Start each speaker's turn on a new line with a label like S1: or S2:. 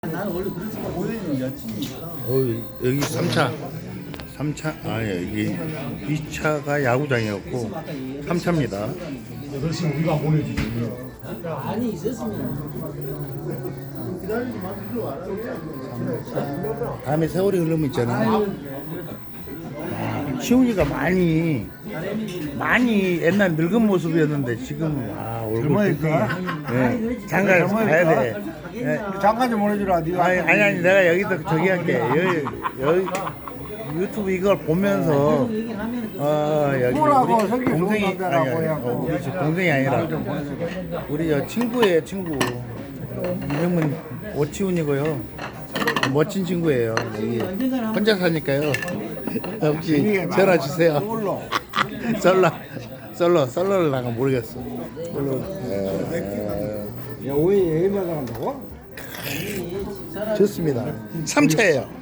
S1: 나는 원래 그렇지만 오해는 여친이니까.
S2: 여기 3차. 3차, 여기 2차가 야구장이었고 3차입니다.
S3: 8시면 우리가 안 보내주지.
S1: 많이 있었으면 기다리지 마. 일로 와라.
S2: 다음에 세월이 흐르면 있잖아. 시훈이가 많이 옛날 늙은 모습이었는데 지금 얼굴 장가 가야 돼.
S3: 잠깐 좀 보내주라. 네가
S2: 아니 내가 여기다 저기 할게. 여기 유튜브 이걸 보면서 여기
S3: 뭐라고
S2: 우리
S3: 성격
S2: 동생이
S3: 좋은 남자라고
S2: 우리 동생이 아니라 우리 친구예요, 친구. 이름은 오치훈이고요. 멋진 친구예요. 여기 혼자 사니까요. 혹시 전화 주세요. 솔로를 나가 모르겠어.
S3: 야, 오해 예의마다 한다고?
S2: 좋습니다. 3차예요.